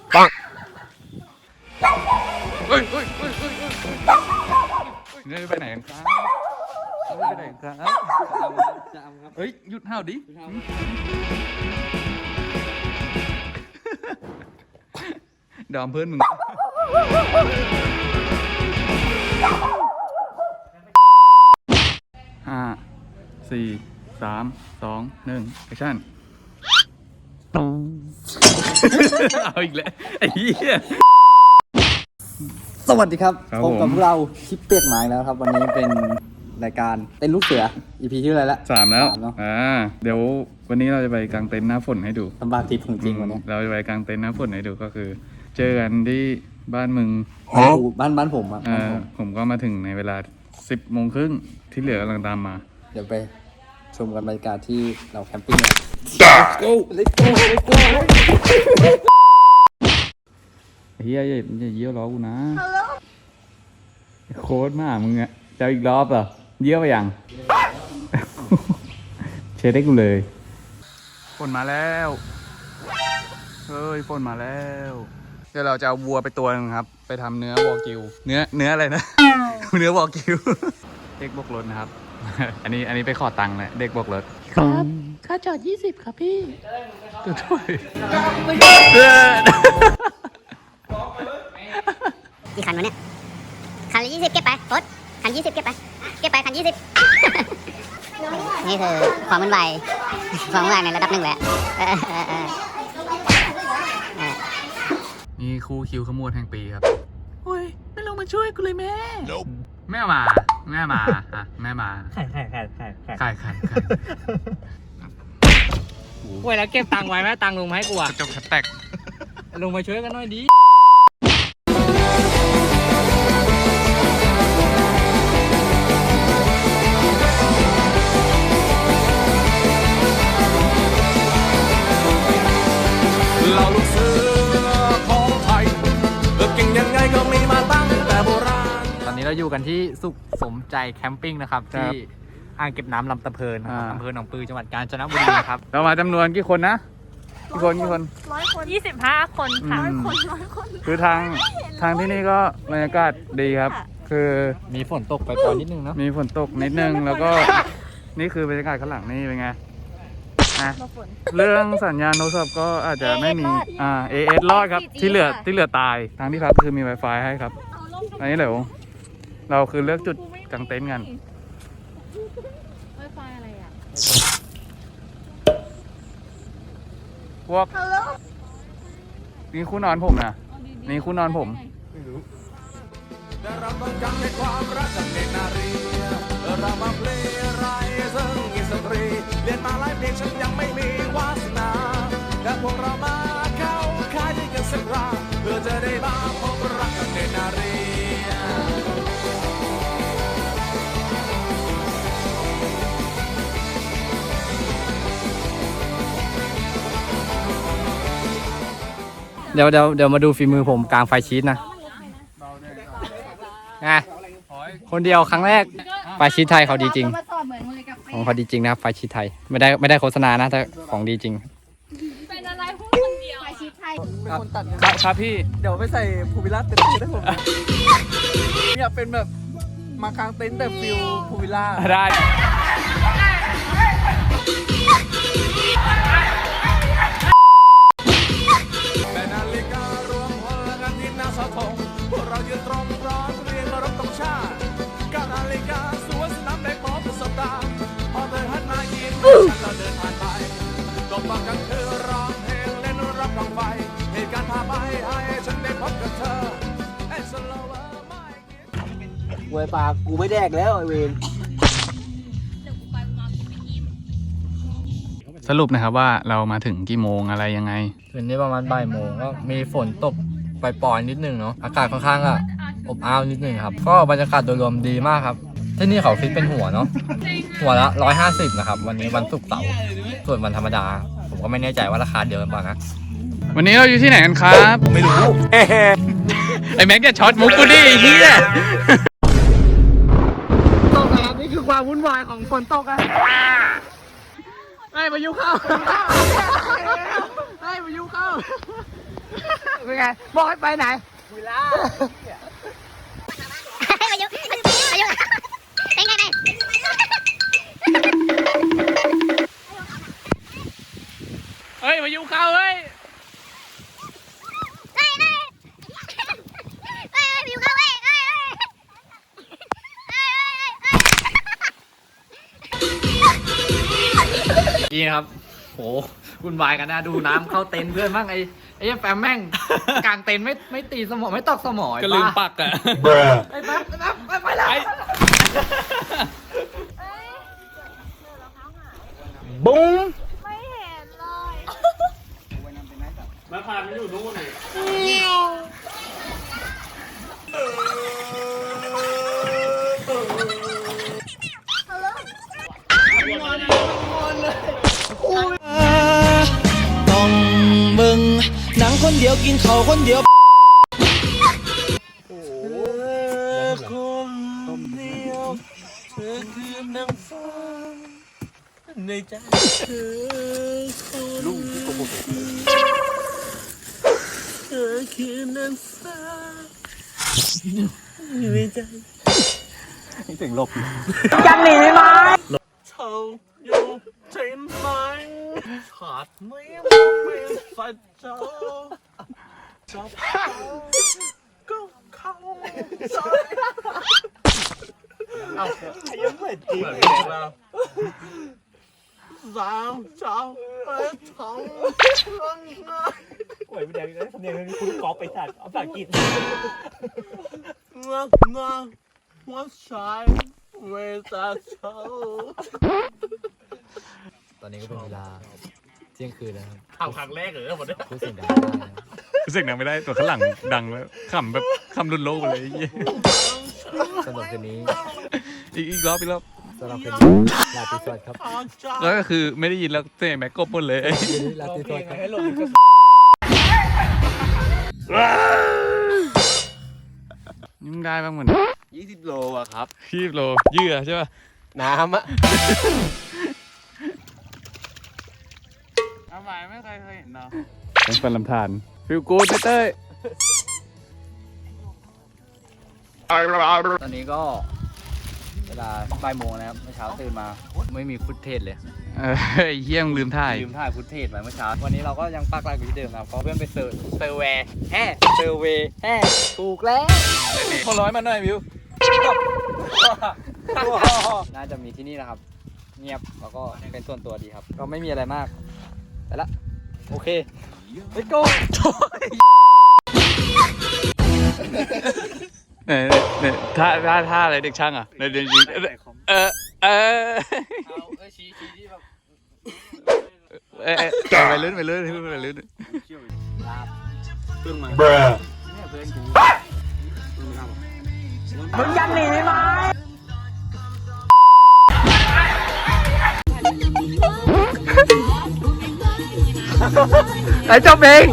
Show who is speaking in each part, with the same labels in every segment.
Speaker 1: ปัง
Speaker 2: เฮ้ยนี่ไปไหนกันครับไปไหนกันครับเฮ้ยหยุดห้าวดิดอมเพื่อนมึง5 4 3 2 1แอคชั่นเอาอีกแล้วไอ้เหี้ย
Speaker 3: สวัสดีครับ
Speaker 2: ครับ
Speaker 3: พบกับ
Speaker 2: ผม
Speaker 3: พวกเราคลิปเปียกหมายแล้วครับ วันนี้เป็นรายการเต้นลูกเสือ EP ที่อะไรละ
Speaker 2: 3แล้ว
Speaker 3: เนาะ
Speaker 2: เดี๋ยววันนี้เราจะไปกางเต็นท์หน้าฝนให้ดู
Speaker 3: ทำบาทิพย์ของจริงวันนี้
Speaker 2: เราจะไปกางเต็นท์หน้าฝนให้ดูก็คือ เจอกันที่บ้านมึง
Speaker 3: บ้านผมอ่ะบ้านผม
Speaker 2: ผมก็มาถึงในเวลา 10 โมงครึ่งที่เหลือกำลังตามมา
Speaker 3: เดี๋ยวไปชมกันบรรยากาศที่เราแคมปิ้งกัน
Speaker 2: go
Speaker 3: Let's go Let's go
Speaker 2: เฮียอย่าเยี่ยวล้อกูนะโค้ดมากมึงอะจะอีกรอบเหรอเยี่ยวไปยัง เช็ดให้กูเลยฝนมาแล้วเฮ้ยฝนมาแล้วเดี๋ยวเราจะเอาวัวไปตัวนึงครับไปทำเนื้อวอกิวเนื้ออะไรนะ เนื้อวอกิวเด็กบกรถนะครับ อันนี้ไปขอตังค์นะเด็กบกรถ
Speaker 4: ครับค่าจอด20ครับพี่
Speaker 2: ตัวถ้วย
Speaker 5: กี่คันวะเนี่ย คันละ20 เก็บไปรถคัน20 เก็บไปคัน20 นี่คือความวุ่นวายในระดับหนึ่งแหละ
Speaker 2: นี่คู่คิวขมวดแห่งปีครับ
Speaker 4: โอ้ย ไม่ลงมาช่วยกูเลยแม่
Speaker 2: แม่มาอ่ะแม่มา
Speaker 4: ไข่
Speaker 2: ไข่
Speaker 4: โอ้ยแล้วเก็บตังค์ไว้ไหมตังค์ลงมาให้กูอ่ะ
Speaker 2: จบแตก
Speaker 4: ลงมาช่วยกันหน่อยดิ
Speaker 1: เราลูกเสือของไทยเก่งยังไงก็มีมาตั้งแต่โบราณ
Speaker 4: ตอนนี้เราอยู่กันที่สุขสมใจแคมปิ้งนะครับ ที่อ่างเก็บน้ำลำตะเพินนะครับอำเภอหนองปือจังหวัดกาญจนบุรีนะครับ
Speaker 2: เรามาจำนวนกี่คนนะกี่คน
Speaker 6: 25 คนค่ะ
Speaker 2: คือทางที่นี่ก็บรรยากาศดีครับ คือ
Speaker 4: มีฝนตกไปปล่อยนิดนึงเนาะ
Speaker 2: มีฝนตกนิดนึงแล้วก็นี่คือบรรยากาศข้างหลังนี่เป็นไงนะเรื่องสัญญาณโทรศัพท์ก็อาจจะไม่มีAS รอดครับ ที่เหลือตายทางที่พักคือมี Wi-Fi ให้ครับอันนี้เดี๋ยวเราคือเลือกจุดกางเต็นท์กัน
Speaker 6: Wi-Fi อะไรอ่ะ
Speaker 2: พวกนี่คู่นอนผมนะนี่คู่นอนผม
Speaker 1: แต่เราต้องการให้ความรักกับเด็กนารีเรามาเพลงไรซึ่งมีสตรีเรียนมาหลายเพลงฉันยังไม่มีวาสนาแต่พวกเรามาเข้าค่ายด้วยกันสักคราเพื่อจะได้มาพบรักกับเด็กนารี
Speaker 4: เดี๋ยวมาดูฝีมือผมกลางไฟชีสนะไงคนเดียวครั้งแรกไฟชีสไทยเขาดีจริงของเขาดีจริงนะครับไฟชีสไทยไม่ได้โฆษณานะแต่ของดีจริง
Speaker 6: เป็นอะไรพูดคนเดียวอาชีพไทย
Speaker 2: ครับพี่
Speaker 3: เดี๋ยวไปใส่ภูวิลล่าเต็มได้ผมอยากเป็นแบบมากางเต็นท์แต่ฟิลภูวิลล่า
Speaker 2: ได้
Speaker 1: แต่นาฬิการวมพลกันทีมหน้าเสาธงพวกเรายืนตรงพร้อมเรียงมารบตรงชาติ9 นาฬิกาสวนสนามได้พบประสบการณ์พอเธอหันมายิ้มฉันเราเดินผ่านไปก็ฟังกันคือร้องเพลงเล่นรับกองไฟเหตุการณ์พาไปให้ฉันได้พบกับเธอไอ้สโลว์ไม่คิด
Speaker 3: เวยปากกูไม่แดกแล้วไอเวน
Speaker 2: สรุปนะครับว่าเรามาถึงกี่โมงอะไรยังไง
Speaker 4: คืนนี้ประมาณบ่ายโมงก็มีฝนตกปล่อยๆนิดนึงเนาะอากาศค่อนข้างอบอ้าวนิดนึงครับก็บรรยากาศโดยรวมดีมากครับที่นี่เขาคิดเป็นหัวเนาะหัวละ150นะครับวันนี้วันศุกร์เสาร์ส่วนวันธรรมดาผมก็ไม่แน่ใจว่าราคาเดียวกันเปล่านะ
Speaker 2: วันนี้เราอยู่ที่ไหนกันครับไม่รู้ ไอ้แม็กจะช็อตมุกกูดิไอ้เหี้ย
Speaker 4: ตกนะครับนี่คือความวุ่นวายของฝนตกอะไอ้พายุเข้าไอ้พายุเข้า
Speaker 3: เป็นไงบอกให้ไปไหน
Speaker 5: มายุเป็นไง
Speaker 2: เฮ้ยมายุเข้าเฮ้ย
Speaker 5: วิวเข้าเว้ย
Speaker 4: นี่ครับโหวุ่นวายกันนะดูน้ำเข้าเต็นท์เพื่อนบ้างไอ้แฟมแม่ง กลางเต็นท์ไม่ตีสมองไม่ตอกสมอง
Speaker 2: ก็ลืมปักอ่ะ
Speaker 4: ไอ้แฟมไปแล้ว
Speaker 3: บุ้ง
Speaker 6: ไม่เห็นเลย
Speaker 7: ต้องมึงหนังคนเดียวกินเขาคนเดียวคนเดียวเธอคือนางฟ้าในใจเธอลูกที่โกหกเธอคือนางฟ้าในใจ
Speaker 3: จะหนีไหม
Speaker 7: เธออยู่ใช่ไหมขาดไม่ฝันเธอจะก็เข้าใจเอายังไม่จริงแล้วสาวเจ้าไปทำรังงานโอ้ยไม่ได้เลยเดี๋ยวคุณกอล์ฟไปตัดเอาปากกินงาหัวใจเวลาเธอ
Speaker 4: ตอนนี้ก็เป็นเวลาเที่ยงคืนแล้วครับ
Speaker 7: ทำครั้งแรกเหรอหมดเนี่ย
Speaker 4: พูดเสียงดังไม่ได้นะ
Speaker 2: รู้สึกดังไม่ได้ตัวข้างหลังดังแล้วขำแบบขำรุนโลกไปเลยไอ้เหี้ย
Speaker 4: สำหรับคืนนี้
Speaker 2: อีกรอบ
Speaker 4: สำหรับคืนนี้ลาตรีสวัสดิ์ครับ
Speaker 2: แล้วก็คือไม่ได้ยินแล้วเสียงแม็กกบหมดเลย
Speaker 4: คืนนี้ลาตรีสวัสดิ์ครับ
Speaker 2: นี่มึงได้บ้างเหมือน
Speaker 7: 20 โลอะครับ
Speaker 2: คีบโลเยื่อใช่ป่ะ
Speaker 7: น้ำอะ
Speaker 2: เอาใหม่ไม่เคยเห็นเนาะเป็นฟันลำธารฟิลกูดเต้ย
Speaker 4: ตอนนี้ก็เวลาบ่ายโมงนะครับเมื่อเช้าตื่นมาไม่มีฟุตเทจเลย
Speaker 2: ไอ้เหี้ยมึงลืมถ่าย
Speaker 4: ลืมถ่ายฟุตเทจไว้เมื่อเช้าวันนี้เราก็ยังปักหลักอยู่ที่เดิมครับเพราะเพื่อนไปเซอร์เวย์ถูกแล้ว
Speaker 2: พอร้อยมาหน่อยวิว
Speaker 4: น่าจะมีที่นี่นะครับ เงียบแล้วก็เป็นส่วนตัวดีครับ ก็ไม่มีอะไรมากไปละโอเค let's go
Speaker 2: เนี่ยท่าอะไรเด็กช่างอ่ะในเดือนยิง
Speaker 4: ชี้ที่แบบ
Speaker 2: ไปลื่นเพิ่งมา
Speaker 3: มึงจะหนีไหม
Speaker 2: ไอ้เจ้าเบง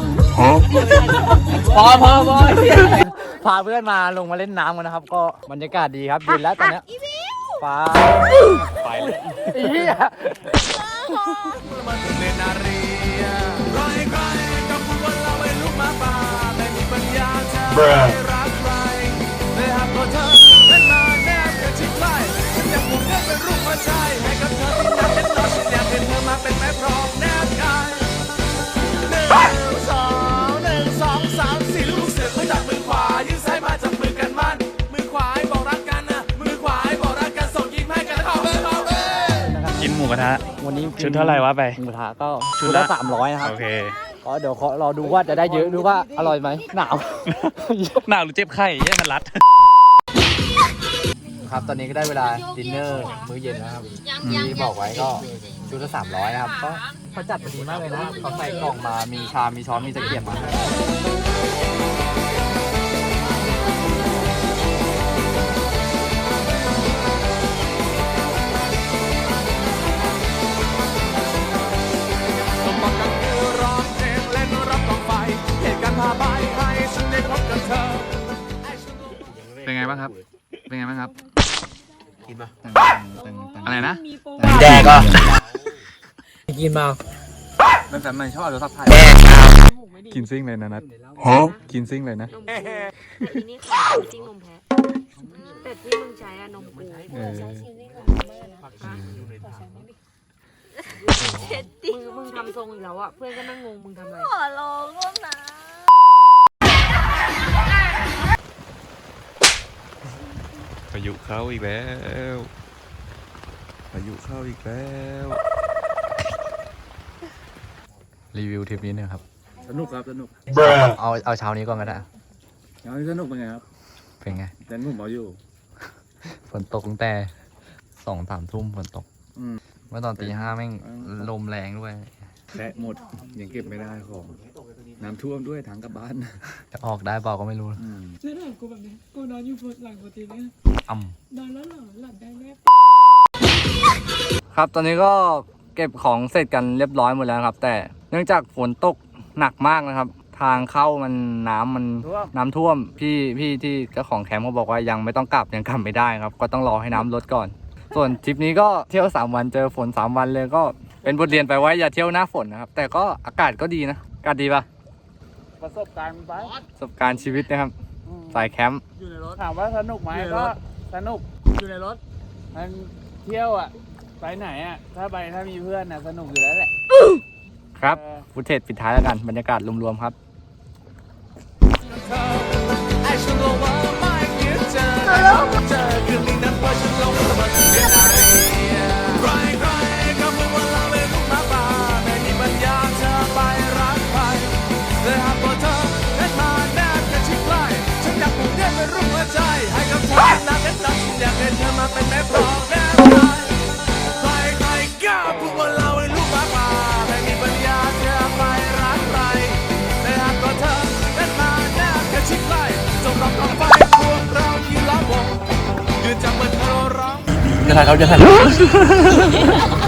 Speaker 4: พอพาเพื่อนมาลงมาเล่นน้ำกันนะครับ ก็บรรยากาศดีครับเย็นแล้วตอนเนี้ยฟ้าไปเลยเหี้ย
Speaker 1: มาถึงเลนาเรียใครก็พูดว่าเราเป็นลูกหมาป่าไม่มีปัญญาจะไม่รักใครเลยหากตัวเธอนั้นมาแนบกันชิดใกล้ฉันอยากผูกเนื้อเป็นรูปหัวใจให้กับเธอที่อยากเห็นเราฉันอยากเห็นเธอมาเป็นแม่พร้อมแนบกาย1 2 3 4ลูกเสือเขาจับมือขวายื่นซ้ายมาจับมือกันมั่นมือขวาให้บอกรักกันนะมือขวาให้บอกรักกันส่งยิ้มให้กันแล้วเข้าไป
Speaker 2: กินหมูกระทะ
Speaker 4: วันนี้
Speaker 2: ชุดเท่าไหร่วะไป
Speaker 4: หมูกระทะก็
Speaker 2: ชุ
Speaker 4: ชุ
Speaker 2: ด
Speaker 4: ด
Speaker 2: ละ
Speaker 4: ละ300นะครับ
Speaker 2: โอเค
Speaker 4: ก็เดี๋ยวขอรอดูว่าจะได้เยอะหรือว่าอร่อยไหมหนาว
Speaker 2: หนาวหรือเจ็บไข้แย่มันรัด
Speaker 4: ครับตอนนี้ก็ได้เวลาดินเนอร์มื้อเย็นแล้วครับที่บอกไว้ก็ชุดละ300นะครับก็เขาจัดมาดีมากเลยนะเขาใส่กล่องมามีชามมีช้อนมีตะเกียบมา
Speaker 1: สมบัติกันคือร้องเพลงเล่นรับกองไฟเหตุการณ์พาไปให้ฉันได้พบกับเธอ
Speaker 2: เป็นไงบ้างครับ เป็นไงบ้างครับ
Speaker 7: กินมา
Speaker 2: อะไรนะ
Speaker 7: แดกอ่ะ
Speaker 4: กินมา
Speaker 2: มันแต่มันชอบเอาโทรศัพท์ถ่ายกินซิ่งเลยนะนัทกินซิ่งเลยนะ
Speaker 8: แต่อีนี่ขายจริงนมแพ้แต่ที่มึงใช้อะนมกู
Speaker 2: เออ
Speaker 8: มึงทำทรงอีกแล้วอะเพื่อนก็นั่งงงมึงทำอะไร
Speaker 6: ขอลองร่วมนะ
Speaker 2: พายุเข้าอีกแล้วพายุเข้าอีกแล้วรีวิวทริปนี้เนี่ยครับ
Speaker 3: สนุกครับสนุก
Speaker 4: เอาเช้านี้ก่อนก็ได้
Speaker 3: เอาสนุกเป็นไงครับ
Speaker 4: เป็นไง
Speaker 3: แต่ผมเอาอยู่
Speaker 4: ฝนตกตั้งแต่2-3 ทุ่มฝนตก เมื่อตอนตี 5แม่งลมแรงด้วย
Speaker 2: และหมดยังเก็บไม่ได้ของน้ำท่วมด้วยทางกลับบ้าน
Speaker 4: จะออกได้เปล่าก็ไม่รู้
Speaker 9: เชื่อถามกูแบบนี้กูนอนอยู่หลังปกติเนี่ย
Speaker 4: อ่ำ
Speaker 9: นอนแล้วเหรอหลับได้แน่
Speaker 4: ครับตอนนี้ก็เก็บของเสร็จกันเรียบร้อยหมดแล้วครับ แต่เนื่องจากฝนตกหนักมากนะครับ ทางเข้ามันน้ำท่วมพี่ที่เจ้าของแคมป์เขาบอกว่ายังไม่ต้องกลับยังกลับไม่ได้ครับ ก็ต้องรอให้น้ำลดก่อน ส่วนทริปนี้ก็เที่ยว3 วันเจอฝน3 วันเลยก็เป็นบทเรียนไปไว้อย่าเที่ยวหน้าฝนนะครับ แต่ก็อากาศก็ดีนะอากาศดีปะ
Speaker 3: ประสบการณ์ไป
Speaker 4: ประสบการณ์ชีวิตนะครับสายแคมป์
Speaker 3: อยู่ในรถถามว่าสนุกไหมก็สนุกอยู่ในรถมันเที่ยวอ่ะไปไหนอ่ะถ้ามีเพื่อนอ่ะสนุกอยู่แล้วแหละ
Speaker 4: ครับฟุตเทจปิดท้ายแล้วกันบรรยากาศรวมๆครับ
Speaker 1: ไอ้ฉันรู้ว่าไม่คิดเจอเจอคืนนี้นั้นว่าฉันลงสมัครเป็นอะไรใครก็พูดว่าเราเป็นลูกหมาป่าไม่มีปัญญาเธอไปรักใครเลยหากตัวเธอเดินมาแนบกันชิดใกล้ฉันอยากผูกเรียนเป็นรูปหัวใจให้กับเธอนักเป็นนักฉันอยากเห็นเธอมาเป็นแม่ปลอกแนบใครก็พูดว่าเราเป็นลูกหมาป่าไม่มีปัญญาเธอไปรักใครเลยหากตัวเธอเดินมาแนบกันชิดใกล้จงรับต่อไปพวกเรายืนล้อมวงยืนจับมือเธอร้อง
Speaker 4: จะถ่ายเขาจะถ่าย